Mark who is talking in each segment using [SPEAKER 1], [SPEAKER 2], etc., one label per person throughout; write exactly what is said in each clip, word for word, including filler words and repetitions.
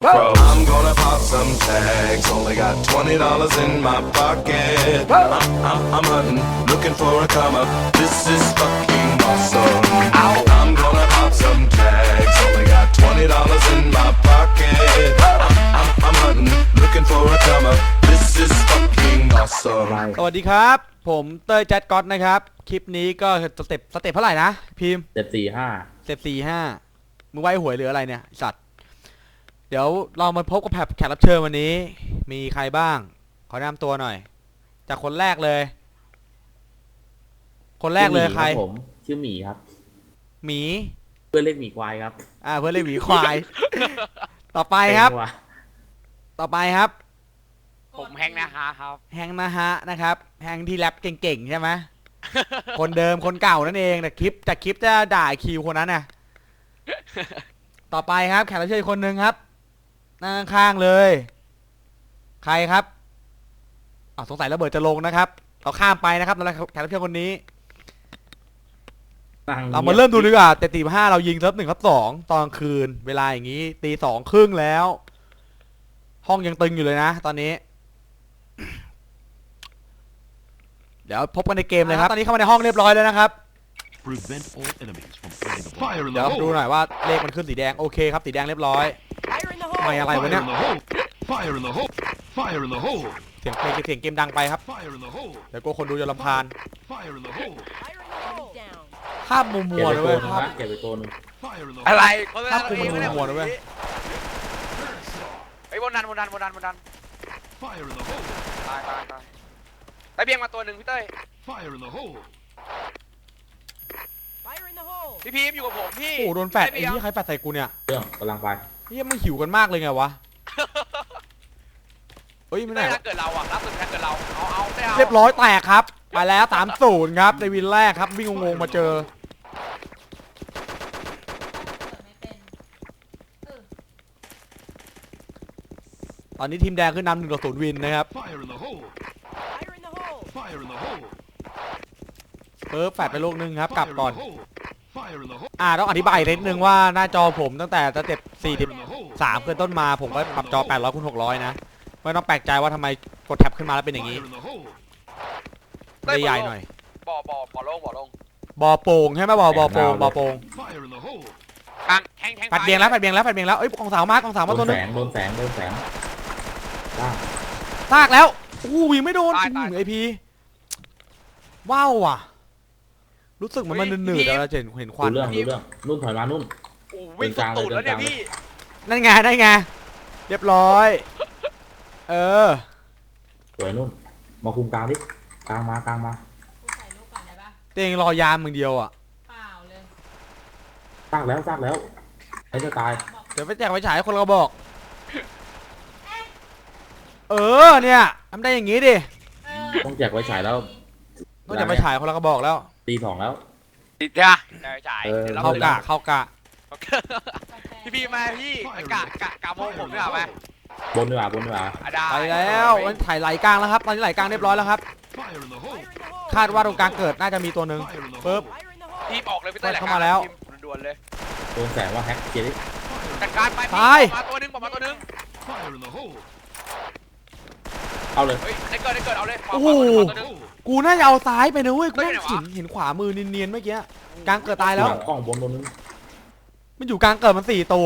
[SPEAKER 1] Bro, I'm gonna pop some tags. Only got twenty dollars in my pocket. I'm, I'm, I'm hunting, looking for a come up. This is fucking awesome. Ow. I'm gonna pop some tags. Only got twenty dollars in my pocket. I'm, I'm, I'm hunting, looking for a come up. This is fucking awesome.
[SPEAKER 2] สวัสดีครับผมเต้ยแจ๊ดก๊อตนะครับคลิปนี้ก็สเต็ปสเต็ปเท่าไหร่นะพิมพ์
[SPEAKER 3] เจ็ดสี่ห้า
[SPEAKER 2] สเต็ปสี่ห้ามึงไว้หวยหรืออะไรเนี่ยสัตว์เดี๋ยวเรามาพบกับแขกรับเชิญวันนี้มีใครบ้างขอแนะนำตัวหน่อยจากคนแรกเลย คนแรกเลยใคร
[SPEAKER 3] ผมชื่อหมีครับ
[SPEAKER 2] หมี
[SPEAKER 3] เพื่อนเรียกหมีควายครับ
[SPEAKER 2] อ่าเพื่อนเรียกหมีควาย ต่อไปครับต่อไปครับ
[SPEAKER 4] ผมแฮงนะฮะครับ
[SPEAKER 2] แฮงนะฮะนะครับแฮงที่แรปเก่งๆใช่ไหม คนเดิมคนเก่านั่นเองแต่คลิปแต่คลิปจะด่าคิวคนนั้นน่ะ ต่อไปครับแขกรับเชิญคนหนึ่งครับนั่งข้างเลยใครครับอ๋อสงสัยระเบิดจะลงนะครับเราข้ามไปนะครับแล้วแขกรับเชิญคนนี้เรามาเริ่มดูดีกว่าแต่ตีห้าเรายิงเซิร์ฟหนึ่งครับสองตอนคืนเวลาอย่างนี้ตีสองครึ่งแล้ว ห้องยังตึงอยู่เลยนะตอนนี้ เดี๋ยวพบกันในเกมเลยครับตอนนี้เข้ามาในห้องเรียบร้อยแล้วนะครับเดี๋ยวดูหน่อยว่าเลขมันขึ้นสีแดงโอเคครับสีแดงเรียบร้อยไม่อะไรวะเนี่ยเสียงเพลงเสียงเกมดังไปครับเดี๋ยวก็คนดูจะรำคาญภาพมัวมัวเลยเว้ยภาพ
[SPEAKER 3] เก็บไปตัวนึง
[SPEAKER 4] อะไร
[SPEAKER 2] ภาพมัวมัวเลยเว้ย
[SPEAKER 4] ไอ้บนดันบนดันบนดันบนดันตายตายตายไปเบียงมาตัวหนึ่งพี่เต้ยพี่พีมอยู่กับผมพี่
[SPEAKER 2] โอ้โดนแฟดไอ้ที่ใครแฟดใส่กูเนี่ย
[SPEAKER 3] เรื่องกำลังไป
[SPEAKER 2] เฮ้ยมันหิวกันมากเลยไงวะเฮ้ยไม่ได้
[SPEAKER 4] ถ้าเกิดเราอ่ะรับสุดถ้าเกิดเราเอาเอาได้เอา
[SPEAKER 2] เรียบร้อยแตกครับไปแล้วสามศูนย์ครับในวินแรกครับวิ่งงงๆมาเจอตอนนี้ทีมแดงขึ้นนำหนึ่งต่อศูนย์วินนะครับเปิร์ฟแฟดไปลูกนึงครับกลับก่อนอ่าต้องอธิบายนิดนึงว่าหน้าจอผมตั้งแต่สเต็ปสี่สิบสามขึ้นต้นมาผมก็ปรับจอแปดร้อยคูณหกร้อยนะไม่ต้องแปลกใจว่าทำไมกดแท็บขึ้นมาแล้วเป็นอย่างนี้ได้ใหญ่หน่อย
[SPEAKER 4] บ่อบ่อบ่อลงบ่อลง
[SPEAKER 2] บ่อโป่งใช่ไหมบ่อบ่อโป่งบ่อโป่ง
[SPEAKER 4] แทงแทง
[SPEAKER 2] ปัดเบียงแล้วปัดเบียงแล้วปัดเบียงแล้วเอ้ยกองสาวมากองสาวมาตัวนึง
[SPEAKER 3] โดนแสงโดนแสง
[SPEAKER 2] ซากแล้วอู้ยิงไม่โดนไอพีว้าวว่ะรู้สึกเหมือนมันหนืดๆแล้วเจนเห็นควัน
[SPEAKER 3] เรื่องเรื่องนุ่นถอยมานุ่น
[SPEAKER 4] วิ่งตูดแล้วเนี่ยพี่
[SPEAKER 2] นั่นไงนั่นไงเรียบร้อยเออ
[SPEAKER 3] สวยนุ่นมาคุมกลางดิกลางมากลางมา
[SPEAKER 2] เตียงรอยามมึงเดียวอ่ะ
[SPEAKER 5] เปล่าเลย
[SPEAKER 3] ซากแล้วซากแล้วไอ้จะตาย
[SPEAKER 2] เดี๋ยวไปแจกไปฉายคนเราบอกเออเนี่ยทำได้อย่างงี้ดิ
[SPEAKER 3] ต้องแจกไว้ฉายแล้ว
[SPEAKER 2] ต้องแจกไปฉายคนเราก็บอกแล้ว
[SPEAKER 3] ตีสองแล้ว
[SPEAKER 4] ติดจ้ะแจกฉาย
[SPEAKER 2] เข้ากะเข้ากะ
[SPEAKER 4] พี่พี่มาพี่กะกะกะโมงผมดีกว่าไหม
[SPEAKER 3] บนดีกว่าบนดีกว่า
[SPEAKER 2] ไปแล้วมันถ่ายไหลกลางแล้วครับตอนนี้ไหลกลางเรียบร้อยแล้วครับคาดว่าตรงกลางเกิดน่าจะมีตัวหนึ่งปึ๊บ
[SPEAKER 4] ทีมออกเลยพี่เต้ย
[SPEAKER 2] เข้ามาแล้ว
[SPEAKER 4] ด่วนเลย
[SPEAKER 3] โดนแสงว่าแฮกเกียร์ดิ
[SPEAKER 4] จัดการไป
[SPEAKER 2] ตาย
[SPEAKER 4] มาตัวนึงมาตัวนึง
[SPEAKER 3] เอาเลย
[SPEAKER 4] ได้เกิดได้เกิดเอาเลย
[SPEAKER 2] โอ้โหกูน่าจะเอาซ้ายไปนะเว้ยกูเห็นเห็นขวามือเนียนๆเมื่อกี้กลางเกิดตายแล้ว
[SPEAKER 3] กล้องบนตัวนึง
[SPEAKER 2] มันอยู่กลางเกิดมันสี่ตัว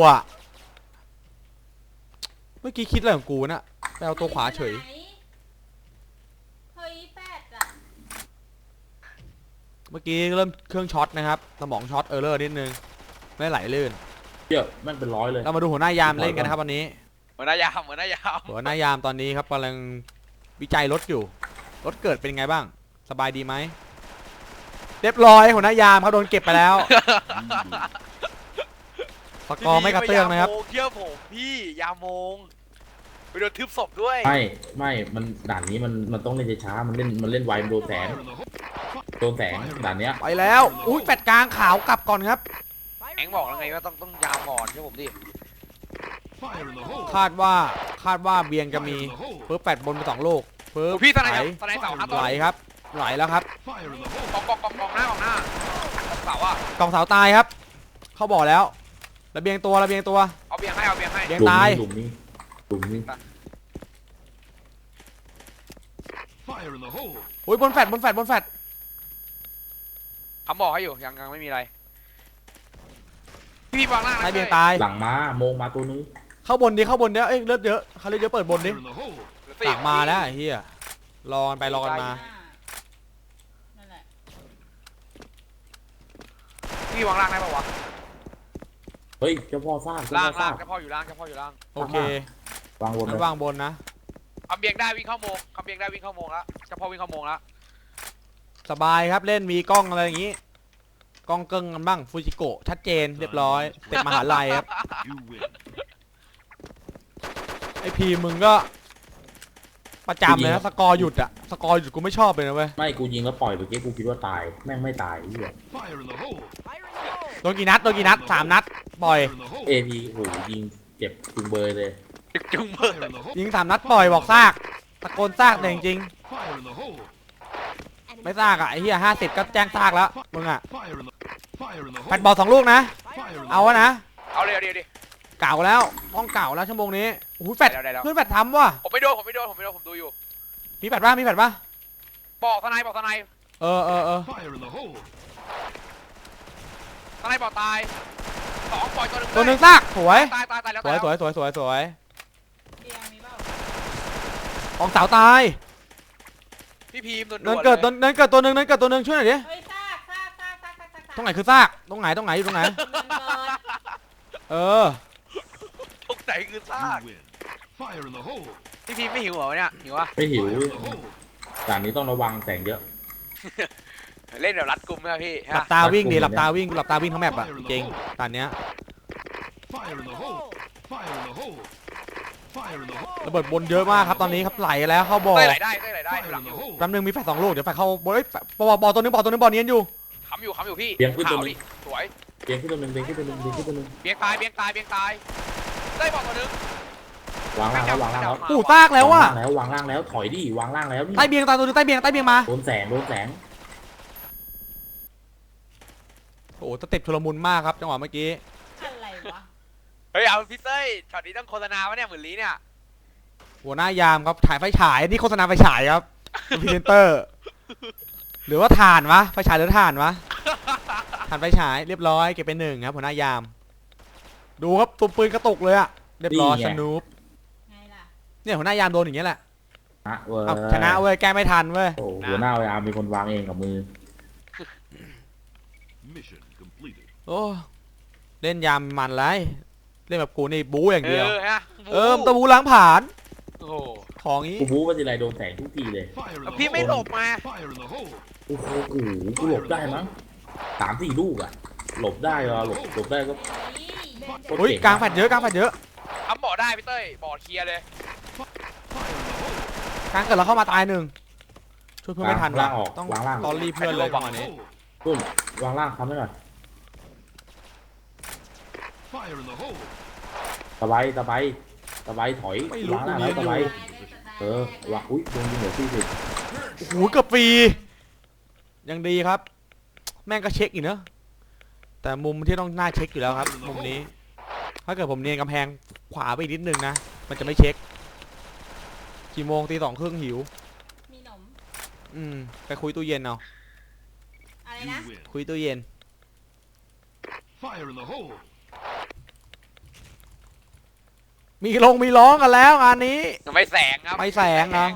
[SPEAKER 2] เมื่อกี้คิดอะไรของกูน่ะไปเอาตัวขวาเฉยเมื่อกี้เริ่มเครื่องช็อตนะครับสมองช็อตเออร์เลอร์นิดนึงไม่ไหลลื่น
[SPEAKER 3] เยอะแม่งเป็นร้อยเลย
[SPEAKER 2] เรามาดูหัวหน้ายามเล่นกันนะครับวันนี้
[SPEAKER 4] หัวหน้ายามหัวหน้ายาม
[SPEAKER 2] หัวหน้ายามตอนนี้ครับกำลังวิจัยรถอยู่รถเกิดเป็นไงบ้างสบายดีไหมเรียบร้อยหัวหน้ายามเขาโดนเก็บไปแล้วสกอร์ไม่กระเตื้องนะครับ
[SPEAKER 4] เที่ยวผมพี่ยาโมงไปโดนทึบศพด้วย
[SPEAKER 3] ไม่ไม่มันด่านนี้มันมันต้องเล่นช้ามันเล่นมันเล่นไวมันโดนแสงโดนแสงด่านเนี้ย
[SPEAKER 2] ไปแล้วอุ้ยแปดกลางขาวกลับก่อนครับ
[SPEAKER 4] แองบอกแล้วไงว่าต้องต้องยามก่อนใช่ผมดิ
[SPEAKER 2] คาดว่าคาดว่าเบียงจะมีเพิ่มแปดบนไปสองลูกเพิ่ม
[SPEAKER 4] พี่
[SPEAKER 2] ไหลไหลครับไหลแล้วครับ
[SPEAKER 4] กองกองกองกองหน้ากองหน้ากองเสาอ่ะ
[SPEAKER 2] กองเสาตายครับเขาบอกแล้วระเบียงตัวระเบียงตัว
[SPEAKER 4] เอาเอาเบียงให้เอาเบียงให้
[SPEAKER 2] เบียง
[SPEAKER 3] หลุม
[SPEAKER 2] ตาย
[SPEAKER 3] นี้หลุมนี้หลุมนี้
[SPEAKER 2] อุ้ยบนแฟดบนแฟดบนแฟด
[SPEAKER 4] คำบอกให้อยู่ยังยังไม่มีอะไรพี่พี่วางล่างนะ
[SPEAKER 2] ตายเบียง
[SPEAKER 4] ต้
[SPEAKER 2] ตาย
[SPEAKER 3] หลังมาโมงมาตัวนึง
[SPEAKER 2] เข้าบนดิเข้าบนดิเอ้ยเลือดเยอะเขาเลือดเยอะเปิดบนดิ
[SPEAKER 4] เหลือ
[SPEAKER 2] ห
[SPEAKER 4] สี่
[SPEAKER 2] ลังมาแล้วไอ้เฮียรอกันไปรอกันมา
[SPEAKER 5] นั่นแหละ
[SPEAKER 4] พี่วางล่างได้ปะวะ
[SPEAKER 3] เฮ้ยเจ้าพ่อสร้างเจ้า
[SPEAKER 4] ล่าง
[SPEAKER 3] พ่อส
[SPEAKER 4] ล่า
[SPEAKER 3] ร้าง ง
[SPEAKER 4] เจ้าพ่ออยู่ล่างเจ้าพ่ออยู่ล่าง
[SPEAKER 2] โอเค
[SPEAKER 3] วางบน
[SPEAKER 2] งั้
[SPEAKER 3] เล
[SPEAKER 2] น
[SPEAKER 3] ยว
[SPEAKER 2] างบนนะ
[SPEAKER 4] คำเบียงได้วิ่งเข้าโมงคำเบียงได้วิ่งเข้าโมงแล้วเจ้าพ่อวิ่งเข้าโมงแล้ว
[SPEAKER 2] สบายครับเล่นมีกล้องอะไรอย่างงี้กล้องเกิ้งกันบ้างฟูจิโกะชัดเจนเรียบร้อยเต็มมหาลัยครับไอพีมึงก็ ประจำเลยนะสกอร์หยุดอะสกอร์หยุดกูไม่ชอบเลยนะเว้ย
[SPEAKER 3] ไม่กูยิงแล้วปล่อยเมื่อกี้กูคิดว่าตายแม่งไม่ตายไอ้เหี้ย
[SPEAKER 2] โดนกี่นัดโดนกี่นัดสามนัดปล่อย
[SPEAKER 3] เอพีโหยิงเจ็บจุงเบยเลย
[SPEAKER 4] จุงเบอร์
[SPEAKER 2] ยิงสามนัดปล่อยบอกซากตะโกนซากแต่จริงๆไม่ซากอะไอ้เหี้ยห้าสิบก็แจ้งซากแล้วมึงอะแฟดบอลสองลูกนะเอาวะนะ
[SPEAKER 4] เอาเร็วเดี๋ยวดิ
[SPEAKER 2] เก่าแล้วต้องเก่าแล้วชั่วโมงนี้โอ้โหแฟด
[SPEAKER 4] ได้แล้วได้แล้ว
[SPEAKER 2] เพื่อนแฟดทำว่ะ
[SPEAKER 4] ผมไม่โดนผมไม่โดนผมไม่โดนผมดูอยู่
[SPEAKER 2] มีแฟดป่ะมีแฟดป่ะ
[SPEAKER 4] บอกทนายบอกทนาย
[SPEAKER 2] เออเออเออ
[SPEAKER 4] ทนายบอกตายสองปล่อยตัวหนึ่ง
[SPEAKER 2] ตัวหนึ่งซากสวย
[SPEAKER 4] ตายตายตายแล้ว
[SPEAKER 2] สวยสวยสวยสวยสวย
[SPEAKER 5] เตียงมีเปล่า
[SPEAKER 2] ของสาวตาย
[SPEAKER 4] พี่พีมโดน
[SPEAKER 2] เนินเกิดตัวเนินเกิดตัวหนึ่งเนินเกิดตัวหนึ่งช่วยหน่อยดิ
[SPEAKER 5] เฮ้ยซากซากซากซากซากซาก
[SPEAKER 2] ตรงไหนคือซากตรงไหนตรงไหนอยู่ตรงไหน
[SPEAKER 5] เงินเกิด
[SPEAKER 2] เออ
[SPEAKER 4] ทุกไหนคือซากพี่พีมไม่หิวเหรอเนี่ยหิวอะ
[SPEAKER 3] ไม่หิวด่านนี้ต้องระวังแสงเยอะ
[SPEAKER 4] เล่นแบบรัดกุมไหมพี่
[SPEAKER 2] หลับตาวิ่งดิหลับตาวิ่งหลับตาวิ่งทั้งแมปอะจริงตอนเนี้ยระเบิดบนเยอะมากครับตอนนี้ครับไหลแล้วเข้าบ่อ
[SPEAKER 4] เต้ยไหลได้เต้ยไหลได้ดูหลังอยู่
[SPEAKER 2] แป๊บนึงมีแฟดสองลูกเดี๋ยวแฟดเข้าบ่อเอ้ยบอลบอลตัวนึงบอลตัวนึงบอลเนียนอยู่
[SPEAKER 4] ค้ำอยู่ค้ำอยู่พี่
[SPEAKER 3] เบียงขึ้นตัว
[SPEAKER 4] ขาว
[SPEAKER 3] นึ
[SPEAKER 4] ดิ
[SPEAKER 3] ง
[SPEAKER 4] สวย
[SPEAKER 3] เบียงขึ้นตัวนึงเบียงขึ้นตัวนึงเบียงขึ้นตัวนึง
[SPEAKER 4] เบียงตายเบียงตายเบียงตายเต้ยบอกตัวหนึง
[SPEAKER 3] วางล่างแล้ววางล่างแล้ว
[SPEAKER 2] อู้ซากแล้วว่ะ
[SPEAKER 3] วางแล้ววางล่างแล้วถอยดิวางล่างแล้วนี่
[SPEAKER 2] ใต้เบียงตายตัวนึงใต้เบียงใต้เบียงมา
[SPEAKER 3] โดนแสงโดนแสง
[SPEAKER 2] โอ้โหสเต็ปชุลมุนมากครับจังหวะเมื่อกี้
[SPEAKER 5] อะไรวะ
[SPEAKER 4] เฮ้ยเอาพี่เต้ยช็อตนี้ต้องโฆษณาวะเนี่ยหมื่นลี้เนี่ย
[SPEAKER 2] หัวหน้ายามครับถ่ายไฟฉายนี่โฆษณาไฟฉายครับพรีเซนเตอร์ หรือว่าถ่านวะไฟฉายหรือถ่านวะถ่านไฟฉายเรียบร้อยเก็บเป็นหนึ่งครับหัวหน้ายาม ดูครับตัวปืนกระตุกเลยอะเรียบร้อยสนุป
[SPEAKER 5] ไงล่ะ
[SPEAKER 2] เนี่ยหัวหน้ายามโดนอย่างเงี้ยแหละ
[SPEAKER 3] นะเว้ย
[SPEAKER 2] เอาชนะเว้ยแก้ไม่ทันเว้ย
[SPEAKER 3] โอ้หัวหน้าอาร์มเป็นคนวางเองกับมือ
[SPEAKER 2] โอ้เล่นยามมันไรเล่นแบบกูนี่บู๊อย่าง
[SPEAKER 4] เอ
[SPEAKER 2] เดียว
[SPEAKER 4] อฮะ
[SPEAKER 2] เออตะบูล้างผ่าน
[SPEAKER 4] โอ้โห
[SPEAKER 2] ของงี้
[SPEAKER 3] กูบู๊ว่าจะไรโดนแสงทุกทีเลย
[SPEAKER 4] แล้วพี่ไม่หลบมา
[SPEAKER 3] โอ้โหกูกูหลบได้มั้งสามสี่ลูกอะหลบได้เหรอหลบหลบได้ก็
[SPEAKER 5] นี่
[SPEAKER 3] โคตร
[SPEAKER 2] อุ้ย
[SPEAKER 3] เจ๋ง
[SPEAKER 2] กลางแฟดเยอะกลางแฟดเยอะ
[SPEAKER 4] ทำบ่อได้พี่เต้ยบ่อเคลียร์เลย
[SPEAKER 2] กลางเกิดเราเข้ามาตายหนึ่งช่วยเพื่อนไม่ทัน
[SPEAKER 3] วางล่างออก
[SPEAKER 2] ต้อง
[SPEAKER 3] วางล่าง
[SPEAKER 2] ตอนรีเพื่อนเลยจังหวะนี้
[SPEAKER 3] ตุ้มวางล่างค้ำไว้หน่อยตะไบตะไบตะไบถอย
[SPEAKER 2] ไม่รู้
[SPEAKER 3] วางล่าง
[SPEAKER 2] กู
[SPEAKER 3] แล้ว
[SPEAKER 2] ยืนอยู่
[SPEAKER 3] ตะไบเออวางอุ้ยโดนยิงเหลือสี่สิบ
[SPEAKER 2] โอ้โหเกือบฟรียังดีครับ แม่งก็เช็คอีกเนอะแต่มุมที่ต้องน่าเช็คอยู่แล้วครับ มุมนี้ ถ้าเกิดผมเนียนกำแพงขวาไปอีกนิดนึงนะ มันจะไม่เช็คกี่โมงตีสองครึ่งหิว
[SPEAKER 5] มีหนม
[SPEAKER 2] อืมไปคุยตู้เย็นเอา
[SPEAKER 5] อะไรนะ
[SPEAKER 2] คุยตู้เย็น มีลงมีร้องกันแล้วงานนี้
[SPEAKER 4] ไม่แสงครับ
[SPEAKER 2] ไม่แสงนะ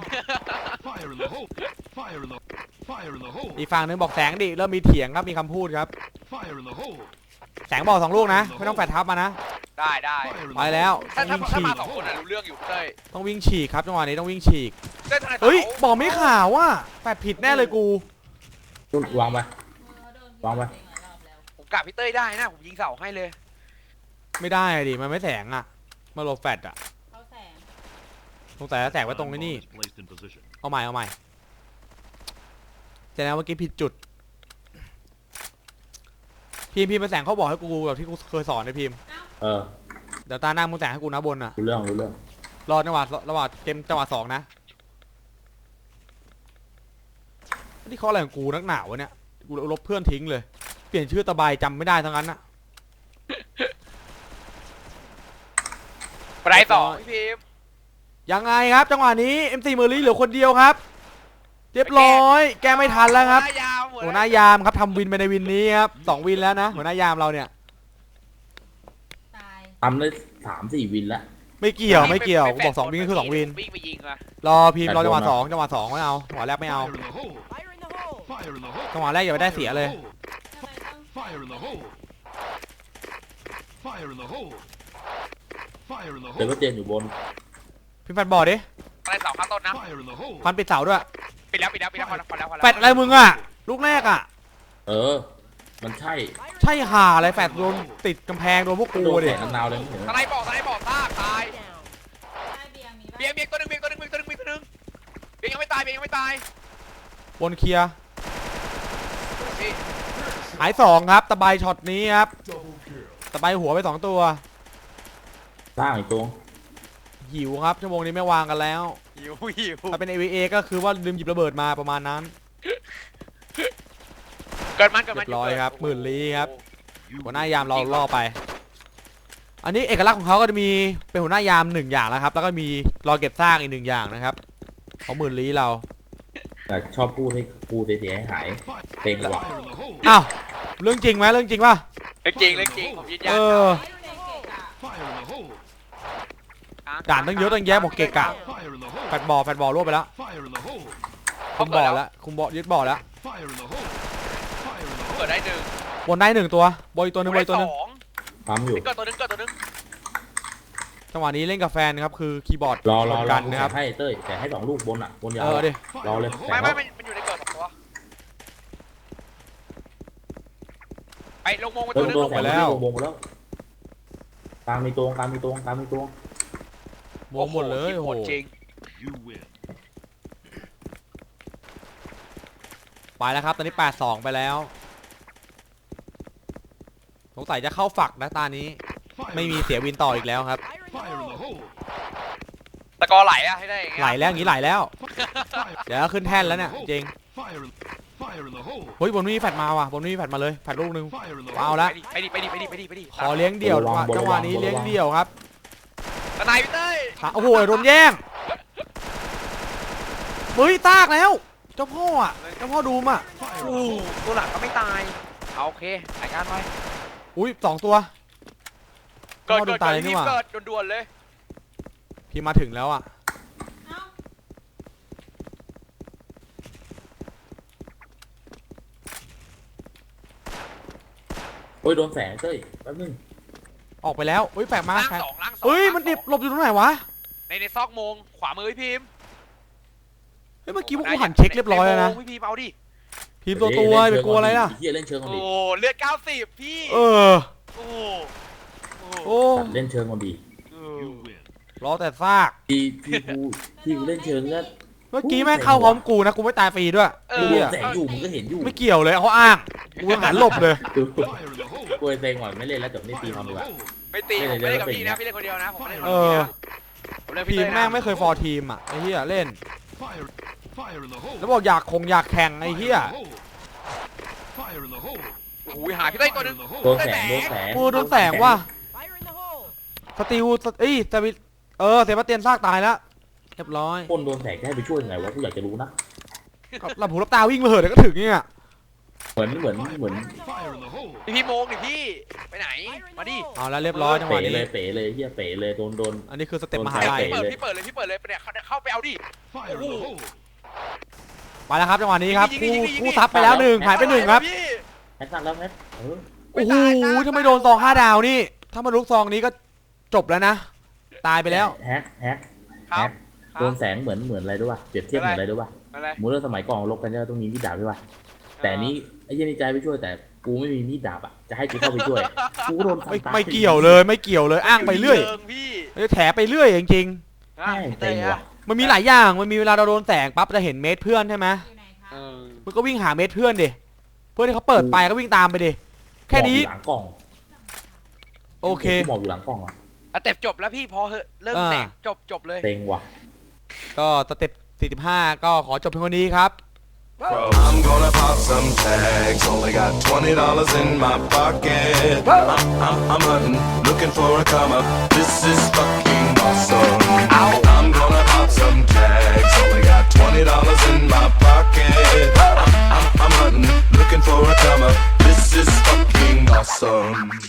[SPEAKER 2] อีกฝั่งนึงบอกแสงดิเริ่มมีเถียงครับมีคำพูดครับ แสงบอกสองลูกนะไม่ต้องแปดทับมานะ
[SPEAKER 4] ได้ได้
[SPEAKER 2] ไปแล้ว
[SPEAKER 4] ถ้า
[SPEAKER 2] ต้
[SPEAKER 4] ถ้า
[SPEAKER 2] องวิ่งฉี
[SPEAKER 4] ถ้ามาก สองคนอ่ะรู้เรื่องอยู่พี่เต้ย
[SPEAKER 2] ต้องวิ่งฉีกครับจังหวะนี้ต้องวิ่งฉีก
[SPEAKER 4] เต้ยทนายสาว
[SPEAKER 2] เฮ้ยบอกไม่ข่าวว่าแปดผิดแน่เลยกู
[SPEAKER 3] ตุ้มวางไป
[SPEAKER 5] เออโดน
[SPEAKER 3] วางไว้
[SPEAKER 5] เองหลายรอบแล้ว
[SPEAKER 4] ผมกลับพี่เต้ยได้นะผมยิงเสาให้เลย
[SPEAKER 2] ไม่ได้ดิมันไม่แสงอ่ะมาโลแฟดอ่ะ
[SPEAKER 5] เขาแสง
[SPEAKER 2] สงสัยจะแสงไว้ตรงไอ้นี่เอาใหม่เอาใหม่แต่แล้วเมื่อกี้ผิดจุดพิมพ์พิมพ์มาแสงเขาบอกให้กูแบบที่กูเคยสอนนะพิมพ์
[SPEAKER 3] เออ
[SPEAKER 2] เดี๋ยวตาหน้ามึงแสงให้กูนะบนอ่ะ
[SPEAKER 3] รู้เรื่องรู้เรื่อง
[SPEAKER 2] รอจังหวะระหว่างเกมจังหวะสองนะนี่เขาอะไรของกูนักหนาวะเนี่ยกูลบเพื่อนทิ้งเลยเปลี่ยนชื่อตะบายจำไม่ได้ทั้งนั้นอ่ะ
[SPEAKER 4] บันไดสองพี่พิมพ์
[SPEAKER 2] ยังไงครับจังหวะนี้ เอ็ม สี่ เมอร์ลี่เหลือคนเดียวครับเรียบร้อย แกไม่ทันแล้วครับ
[SPEAKER 4] หัวหน้ายาม
[SPEAKER 2] หัวหน้ายามครับทำวินไปในวินนี้ครับสองวินแล้วนะหัวหน้ายามเราเนี่ย
[SPEAKER 5] ตาย
[SPEAKER 3] ทำได้สามสี่วินแล้ว
[SPEAKER 2] ไม่เกี่ยวไม่เกี่ยวกูบอกสองวินก็คือสองวิน
[SPEAKER 4] วิ่งไปยิงอะ
[SPEAKER 2] รอพิมพ์รอจังหวะสองจังหวะสองไม่เอาจังหวะแรกไม่เอา
[SPEAKER 6] Fire in the hole! Fire in the hole!
[SPEAKER 2] จังหวะแรกอย่าไปได้เสียเลย
[SPEAKER 5] ทำไมต้อง
[SPEAKER 6] Fire in the hole! Fire in the hole! Fire in the
[SPEAKER 3] เดี๋ยว
[SPEAKER 6] hole!
[SPEAKER 3] ก็เจนอยู่บน
[SPEAKER 2] พิมพ์แฟนบอร์ดดิ
[SPEAKER 4] บันไดสองข้างต้นนะ
[SPEAKER 6] Fire in the hole!
[SPEAKER 2] ฟันปิดเสาด้วย
[SPEAKER 4] ปิดแล้วปิดแล้วปิดแล้วพอแล้วพอแล้วพอแล้ว
[SPEAKER 2] แฟดอะไรมึงอ่ะลูกแรกอ่ะ
[SPEAKER 3] เออ มันใช่
[SPEAKER 2] ใช่ห่าอะไรแฟดโดนติดกำแพงโดนพวกกู
[SPEAKER 3] โดน
[SPEAKER 2] ดิ
[SPEAKER 3] แสงนาวเลยไม่เห็น
[SPEAKER 4] สไนบอกสไนบอกซากตาย
[SPEAKER 5] ได้เบียร์มีปะ
[SPEAKER 4] เบียงเบียงตัวหนึงเบียงตัวหนึงเบียงตัวหนึงเบียงตัวหนึงเบียงยังไม่ตายเบียงยังไม่ตาย
[SPEAKER 2] บนเคลียร์
[SPEAKER 4] พี่
[SPEAKER 2] หายสองครับตะไบช็อตนี้ครับตะไบหัวไปสองตัว
[SPEAKER 3] สร้างอีกตัว
[SPEAKER 2] หิวครับชั่วโมงนี้ไม่วางกันแล้ว
[SPEAKER 4] หิวหิว
[SPEAKER 2] ถ้าเป็น เอ วี เอ ก็คือว่าลืมหยิบระเบิดมาประมาณนั้น
[SPEAKER 4] เกิดมันเกิดมัน
[SPEAKER 2] เรียบร้อยครับหมื่นลี้ครับ
[SPEAKER 6] You
[SPEAKER 2] หัวหน้ายามเราล่อไป อันนี้เอกลักษณ์ของเขาก็จะมีเป็นหัวหน้ายามหนึ่งอย่างแล้วครับแล้วก็มีรอเก็บซากอีกหนึ่งอย่างนะครับของหมื่นลี้เรา
[SPEAKER 3] แต่ชอบพูดให้พูดเสียให้หายเพลงว่ะ
[SPEAKER 6] Fire in the hole!
[SPEAKER 2] อ้าวเรื่องจริงไหมเรื่องจริงป่ะ
[SPEAKER 4] เรื่องจริงเรื่องจริงผมยืนยั
[SPEAKER 2] เอน อ
[SPEAKER 5] ไม่ดูในเกะอะ
[SPEAKER 6] Fire in the hole!
[SPEAKER 2] ด่านตั้งเยอะตั้งแยะบอกเกะกะ
[SPEAKER 6] Fire in the hole!
[SPEAKER 2] แฟดบอลแฟดบอลรวบไปแล้ว
[SPEAKER 6] Fire in the hole!
[SPEAKER 2] คุมบอลแล้วคุมบอลยึดบอลแล้ว
[SPEAKER 6] Fire in the hole! Fire in the
[SPEAKER 4] เกิด
[SPEAKER 6] hole!
[SPEAKER 4] ได้หนึ่ง
[SPEAKER 2] บนได้หนึ่งตัวบอลอีกตัวหนึงบอลอีกตัวหนึง
[SPEAKER 4] สอง
[SPEAKER 3] ปั๊มอยู่
[SPEAKER 4] เกิดตัวหนึงเกิดตัวหนึง
[SPEAKER 2] จังหวะนี้เล่นกับแฟนครับคือคีย์บอร์ด
[SPEAKER 3] รอรอ
[SPEAKER 2] ชน
[SPEAKER 3] ร
[SPEAKER 2] กั
[SPEAKER 3] อน
[SPEAKER 2] นะครับ
[SPEAKER 3] ให้เต้ยแต่ให้สองลูกบนอ่ะบนยาว
[SPEAKER 2] เออดิ
[SPEAKER 3] รอเลย
[SPEAKER 6] Fire in the
[SPEAKER 3] แต่
[SPEAKER 6] hole!
[SPEAKER 4] ไม่ไม่
[SPEAKER 3] ว่า
[SPEAKER 4] มันมันอยู่ในเกิดสองตัวไปลงมงไป
[SPEAKER 3] เติ
[SPEAKER 4] ตัว
[SPEAKER 3] ม
[SPEAKER 4] หนึง
[SPEAKER 3] ตัว
[SPEAKER 4] ลง
[SPEAKER 3] แสงที่วงไปแล้วกลางมีตัวกลางมีตัวกลางมีตัว
[SPEAKER 2] วงหมดเลยโอ้โห
[SPEAKER 4] จริง
[SPEAKER 6] You win.
[SPEAKER 2] ไปแล้วครับตอนนี้แปดสองไปแล้วสงสัยจะเข้าฝักนะตานี้
[SPEAKER 6] Fire
[SPEAKER 2] ไม่
[SPEAKER 6] in
[SPEAKER 2] มี
[SPEAKER 6] the-
[SPEAKER 2] เสียวินต่ออีกแล้วครับ
[SPEAKER 6] Fire in the hole!
[SPEAKER 4] ตะกอไหลอะให้ได้อย่างเงี้ย
[SPEAKER 2] ไหลแล้วอย่างนี้ไหลแล้ว
[SPEAKER 6] Fire,
[SPEAKER 2] เดี๋ยวขึ้นแท่นแล้วเนี่ยจริง
[SPEAKER 6] fire, in- fire in the hole!
[SPEAKER 2] เฮ้ยบนนี้มีแฟดมาว่ะบนนี้มีแฟดมาเลยแฟดลูกหนึง
[SPEAKER 6] Fire in the
[SPEAKER 2] เอา
[SPEAKER 6] hole!
[SPEAKER 2] ละ
[SPEAKER 4] ไปดิไปดิไปดิไปดิไปดิ
[SPEAKER 2] ขอเลี้ยงเดี่ยวจังหวะนี้เลี้ยงเดี่ยวครับ
[SPEAKER 4] ตะไนพี่เต้ย
[SPEAKER 2] หาโอ้โหโดนแย่งเฮ้ยตากแล้วเจ้าพ่ออ่ะเจ้าพ่อดูมอ่ะ
[SPEAKER 6] Fire in
[SPEAKER 4] โอ้
[SPEAKER 6] the
[SPEAKER 4] โห
[SPEAKER 6] hole!
[SPEAKER 4] ตัวหลังก็ไม่ตายเอาโอเครายการไป
[SPEAKER 2] อุ้ยสองตัว
[SPEAKER 4] เกิด
[SPEAKER 2] พ่อดู
[SPEAKER 4] เกิด
[SPEAKER 2] ตาย
[SPEAKER 4] เกิด
[SPEAKER 2] เลยนี่
[SPEAKER 4] รี
[SPEAKER 2] ห
[SPEAKER 4] บ
[SPEAKER 2] ว่า
[SPEAKER 4] เกิดด่วนๆเลย
[SPEAKER 2] พี่มาถึงแล้วอ่ะ
[SPEAKER 5] เอ้า
[SPEAKER 3] โอ้ยโดนแสงเต้ยแป๊บนึง
[SPEAKER 2] ออกไปแล้วเฮ้ยแปลกมา
[SPEAKER 4] ล่าง
[SPEAKER 2] แปลก
[SPEAKER 4] สองล่างสอง
[SPEAKER 2] เฮ้ย
[SPEAKER 4] ล่าง
[SPEAKER 2] มันดิบ
[SPEAKER 4] สอง
[SPEAKER 2] หลบอยู่ตรงไหนวะ
[SPEAKER 4] ในในซอกโมงขวามือพี่พิมพ์
[SPEAKER 2] เฮ้ยเมื่อกี้พวกกูหันเช็คเรียบร้อยแล้วนะ
[SPEAKER 4] ในโมงพี่พิมพ์เอาดิ
[SPEAKER 2] พิมพ์ตัวตัวไปกลัวอะไรล่ะ
[SPEAKER 3] เฮียเล่นเชิงก่อน
[SPEAKER 4] โอ้
[SPEAKER 3] ดิ
[SPEAKER 4] โหเลือดเก้าสิบพี่
[SPEAKER 2] เออ
[SPEAKER 4] โอ้โหโอ้โห
[SPEAKER 2] โอ้
[SPEAKER 3] ตัดเล่นเชิงก่อนดิ
[SPEAKER 4] เออ
[SPEAKER 6] You win.
[SPEAKER 2] รอแต่ซาก
[SPEAKER 3] ที่ที่กูที่กูเล่นเชิงก็
[SPEAKER 2] เมื่อกี้แม่งเข้าพร้อมกูนะกูไม่ตายฟรีด้วย
[SPEAKER 4] เอ
[SPEAKER 3] กู
[SPEAKER 4] อ
[SPEAKER 3] โด
[SPEAKER 2] เหี้
[SPEAKER 3] น
[SPEAKER 2] ย
[SPEAKER 3] แสงอยู่มึงก็เห็นอยู่
[SPEAKER 2] ไม่เกี่ยวเลยเขาอ้างกูยังหันหลบเลย
[SPEAKER 3] ดู
[SPEAKER 6] Fire in the hole!
[SPEAKER 3] กูไอ้เซ็งก่อนไม่เล่นแล้วจบนี่ตี
[SPEAKER 6] Fire
[SPEAKER 3] ทอ
[SPEAKER 6] in
[SPEAKER 3] มดี
[SPEAKER 6] the
[SPEAKER 3] กว่า
[SPEAKER 6] hole!
[SPEAKER 4] ไม่ตีผม
[SPEAKER 3] ไม่
[SPEAKER 4] ไม่
[SPEAKER 3] ได้
[SPEAKER 4] ได้กับ
[SPEAKER 3] เป็น
[SPEAKER 4] พี่
[SPEAKER 3] อย่าง
[SPEAKER 4] นะ
[SPEAKER 3] เงี้ย
[SPEAKER 4] พี่เล่นคนเดียวนะผมไม่ได้
[SPEAKER 2] เอ
[SPEAKER 4] กับ
[SPEAKER 2] อ
[SPEAKER 4] พี่นะผมเล่น
[SPEAKER 2] ที
[SPEAKER 4] พี่
[SPEAKER 2] ม
[SPEAKER 4] เต้ยนะ
[SPEAKER 2] แม่งไม่เคยฟอร์ทีมอ่ะไอ้เหี้ยเล่น
[SPEAKER 6] Fire, fire in the hole!
[SPEAKER 2] แล้วบอกอยากคงอยากแข่งไอ้เหี้ย
[SPEAKER 6] Fire in the hole!
[SPEAKER 4] โอ้โหหาพี่เต้ยตัวหนึง
[SPEAKER 3] โดนแสงโดนแสง
[SPEAKER 2] กูโดนแสงว่ะสติวสเอ้ยสวิเออเซบาสเตียนซากตายแล้วเรียบร้อย
[SPEAKER 3] คนโดนแสงจะให้ไปช่วยยังไงวะกูอยากจะรู้นะ
[SPEAKER 2] ก็หลับหูหลับตาวิ่งมาเหอะเดี๋ยวก็ถึงเนี่ย
[SPEAKER 3] เหมือนเหมือนเหมือน
[SPEAKER 6] Fire in the hole!
[SPEAKER 4] พี่พี่โมงดิพี่ไปไหนมาดิ
[SPEAKER 2] เอาแล้วเรียบร้อยจังหวะ
[SPEAKER 3] เป๋
[SPEAKER 2] นี้
[SPEAKER 3] เลยเป๋เลยเฮียเป๋เลยโดนโดน
[SPEAKER 2] อันนี้คือสเต็ปมหา
[SPEAKER 3] โดน
[SPEAKER 2] ลัย
[SPEAKER 3] แสง
[SPEAKER 4] เปิด
[SPEAKER 3] เลย
[SPEAKER 4] พี่เปิดเลยพี่เปิดเลยเนี่ยเข้าเข้าไปเอาดิ
[SPEAKER 6] Fire in the hole!
[SPEAKER 2] ไปแล้วครับจังหวะนี้ครับ
[SPEAKER 4] ยิง
[SPEAKER 2] กู
[SPEAKER 4] ยิงยิงยิง
[SPEAKER 2] กูซับไปแล้วหนึ่งหายไปหนึ่งครับ
[SPEAKER 4] พี่
[SPEAKER 3] แฮกซันแล้วแฮกเออ
[SPEAKER 2] โอ้โหถ้าไม่โดนซองห้าดาวนี่ ถ้ามาลุกซองนี้ก็จบแล้วนะ ตายไปแล้ว
[SPEAKER 3] แฮกแฮก
[SPEAKER 4] ครั
[SPEAKER 3] แฮ
[SPEAKER 4] บ
[SPEAKER 3] กโดนแสงเหมือนเหมือนอะไรด้วยวะเปรียบเทียบเหมือนอะไรด้วยวะ
[SPEAKER 4] อะไร
[SPEAKER 3] มูเลอร์สมัยก่อนลบกันเนี่ยต้องมีมีดดาบด้วยวะแต่นี้ไอ้เหี้ยนี่ใจไปช่วยแต่กูไม่มีมีดดาบอ่ะจะให้กูเข้าไปช่วยกูก็โดนฟัน
[SPEAKER 2] ไม่
[SPEAKER 3] ตา
[SPEAKER 2] ไม่เกี่ยวเลยไม่เกี่ยวเลยอ้างไปเรื่อย
[SPEAKER 4] ชิงพี่
[SPEAKER 2] เอ้ยแถไปเรื่อยจริง
[SPEAKER 4] อ่ะพี่เต้ย
[SPEAKER 3] เต็ง
[SPEAKER 4] อะ
[SPEAKER 3] ว่ะ
[SPEAKER 2] ๆมันมีหลายอย่างมันมีเวลาเราโดนแสงปั๊บจะเห็นเมตรเพื่อนใช่ไหม
[SPEAKER 5] อยู่ไหนคะ
[SPEAKER 4] เออ
[SPEAKER 2] มันก็วิ่งหาเมตรเพื่อนดิเพื่อนที่เขาเปิดไปก็วิ่งตามไปดิแค่นี้
[SPEAKER 3] หมอบอยู่หลังกล่อง
[SPEAKER 2] โอเค
[SPEAKER 3] กูหมอบอยู่หลังกล่องอ่ะ
[SPEAKER 4] อ่ะเต็บจบแล้วพี่พอเหอะเริ่ม
[SPEAKER 2] อ่า
[SPEAKER 4] แตกจบจบเลย
[SPEAKER 3] เต็งว่ะ
[SPEAKER 2] ก็สเต็ปสี่สิบห้าก็ขอจบเพียงเท่านี้ครับ
[SPEAKER 1] I'm gonna pop some tags. Only got twenty dollars in my pocket. I'm, I'm, I'm hunting, looking for a come up. This is fucking awesome.